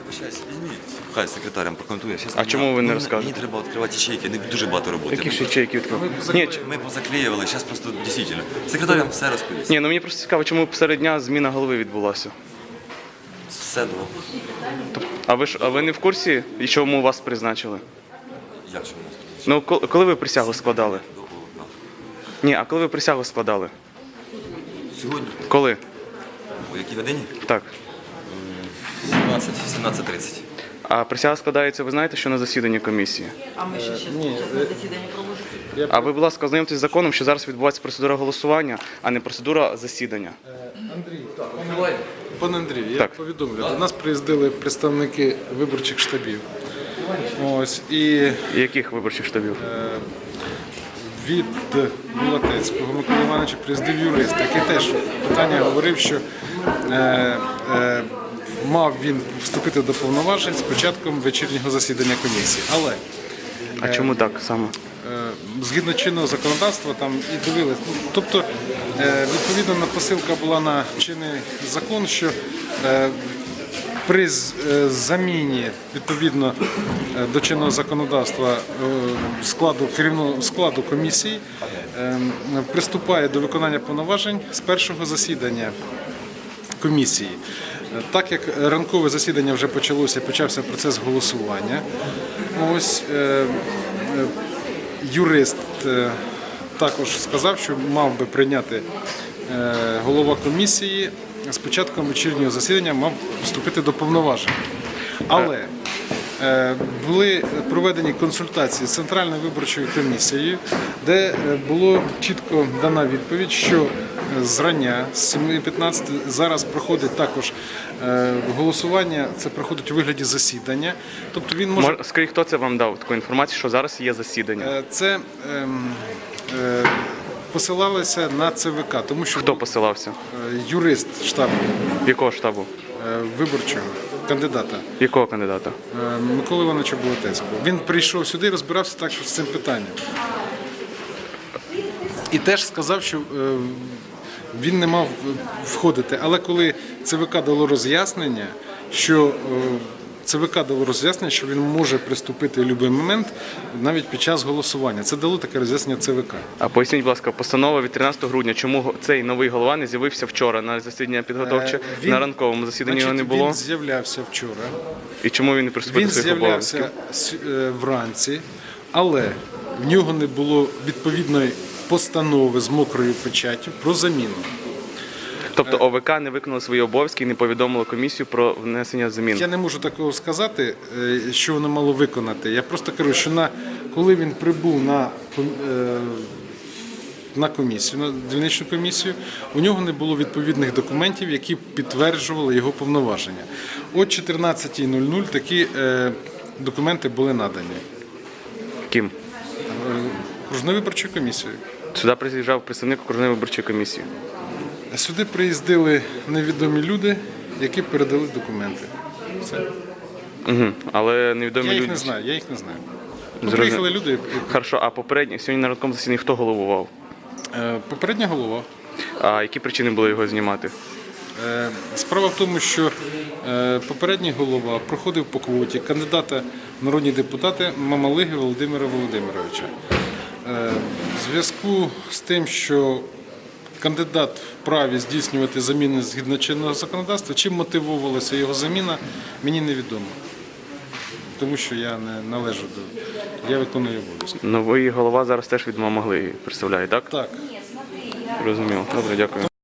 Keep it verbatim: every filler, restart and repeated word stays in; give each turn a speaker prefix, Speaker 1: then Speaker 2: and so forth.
Speaker 1: Вибачаюсь, візьміть, хай секретарям прокоментує. Щас
Speaker 2: А
Speaker 1: мені-
Speaker 2: чому ви не
Speaker 1: мені-
Speaker 2: розказуєте?
Speaker 1: Мені треба відкривати ячейки, не дуже багато роботи.
Speaker 2: Які
Speaker 1: Ми-
Speaker 2: ще ячейки відкрили? Ні, ч-
Speaker 1: Ми позаклеювали, зараз просто дійсно. Секретарям все розповість.
Speaker 2: ні, ну мені просто цікаво, чому посеред дня зміна голови відбулася.
Speaker 1: Все було.
Speaker 2: А ви ж а ви не в курсі, і чому вас призначили?
Speaker 1: Як чому?
Speaker 2: Ну, ко- коли ви присягу складали?
Speaker 1: До полудня.
Speaker 2: Ні, а коли ви присягу складали?
Speaker 1: Сьогодні,
Speaker 2: Коли?
Speaker 1: о якій годині?
Speaker 2: Так.
Speaker 1: сімнадцять, сімнадцять тридцять.
Speaker 2: А присяга складається, ви знаєте, що на засіданні комісії?
Speaker 3: А ми ще зараз на засіданні проводимо.
Speaker 2: А ви, будь ласка, ознайомтесь з законом, що зараз відбувається процедура голосування, а не процедура засідання.
Speaker 4: Андрій, пане Андрію, я
Speaker 2: Так.
Speaker 4: повідомлю. До нас приїздили представники виборчих штабів. Ось і
Speaker 2: І яких виборчих штабів?
Speaker 4: від Булатецького Миколи Івановича приїздив юрист, який теж питання говорив, що е, е, мав він вступити до повноважень з початком вечірнього засідання комісії. Але
Speaker 2: А чому так саме?
Speaker 4: Е, згідно чинного законодавства там і дивились. Ну, тобто, е, відповідно, на посилка була на чинний закон, що е, при з- е, заміні відповідно е, до чинного законодавства е, складу керівного складу комісії е, приступає до виконання повноважень з першого засідання комісії. Е, Так як ранкове засідання вже почалося, почався процес голосування. Ось е, е, юрист е, також сказав, що мав би прийняти е, голова комісії з початком вечірнього засідання, мав вступити до повноважень. Але е, були проведені консультації з Центральною виборчою комісією, де е, було чітко дана відповідь, що зрання з семи п'ятнадцяти зараз проходить також е, голосування, це проходить у вигляді засідання. Тобто він може...
Speaker 2: Мож- Скажіть, хто це вам дав таку інформацію, що зараз є засідання?
Speaker 4: Е, Це ем, е, посилалося на ЦВК, тому що
Speaker 2: Хто посилався?
Speaker 4: е, юрист штабу
Speaker 2: Якого штабу?
Speaker 4: е, виборчого кандидата
Speaker 2: Якого кандидата?
Speaker 4: е, Миколи Івановича Булатецького. Він прийшов сюди і розбирався так, що з цим питанням. І теж сказав, що е, він не мав входити. Але коли ЦВК дало роз'яснення, що е, ЦВК дало роз'яснення, що він може приступити в будь-який момент, навіть під час голосування. Це дало таке роз'яснення ЦВК.
Speaker 2: А поясніть, будь ласка, постанова від тринадцятого грудня, чому го- цей новий голова не з'явився вчора на засідання підготовче,
Speaker 4: Е, він-
Speaker 2: на ранковому засіданні його не
Speaker 4: Значить,
Speaker 2: було?
Speaker 4: Він з'являвся вчора.
Speaker 2: І чому він не приступив
Speaker 4: Він
Speaker 2: до своїх обов'язків?
Speaker 4: з'являвся с- е, вранці, але в нього не було відповідної постанови з мокрою печаттю про заміну.
Speaker 2: Тобто ОВК не виконало свої обов'язки і не повідомило комісію про внесення змін.
Speaker 4: Я не можу такого сказати, е, що воно мало виконати. Я просто кажу, що на, коли він прибув на, ком- е, на комісію, на дільничну комісію, у нього не було відповідних документів, які підтверджували його повноваження. О чотирнадцятій нуль нуль такі е, документи були надані
Speaker 2: Ким?
Speaker 4: окружною виборчою комісією.
Speaker 2: Сюди приїжджав представник окружної виборчої комісії.
Speaker 4: Сюди приїздили невідомі люди, які передали документи. Все.
Speaker 2: Угу. Але невідомі
Speaker 4: Я їх
Speaker 2: люди.
Speaker 4: не знаю, я їх не знаю. Ну,
Speaker 2: Зрозумів.
Speaker 4: приїхали люди. і-
Speaker 2: Хорошо, а попередньо сьогодні на ранковому засіданні хто головував?
Speaker 4: Е, Попередня голова.
Speaker 2: А які причини були його знімати?
Speaker 4: Е, Справа в тому, що е, попередній голова проходив по квоті кандидата в народні депутати Мамалиги Володимира Володимировича. Е, В зв'язку з тим, що кандидат вправі здійснювати заміни згідно чинного законодавства, чим мотивувалася його заміна, мені невідомо. Тому що я не належу до... Я виконую обов'язки.
Speaker 2: Новий голова зараз теж від Мамаглиги представляє, так?
Speaker 4: Так.
Speaker 2: Розуміло. Добре, дякую.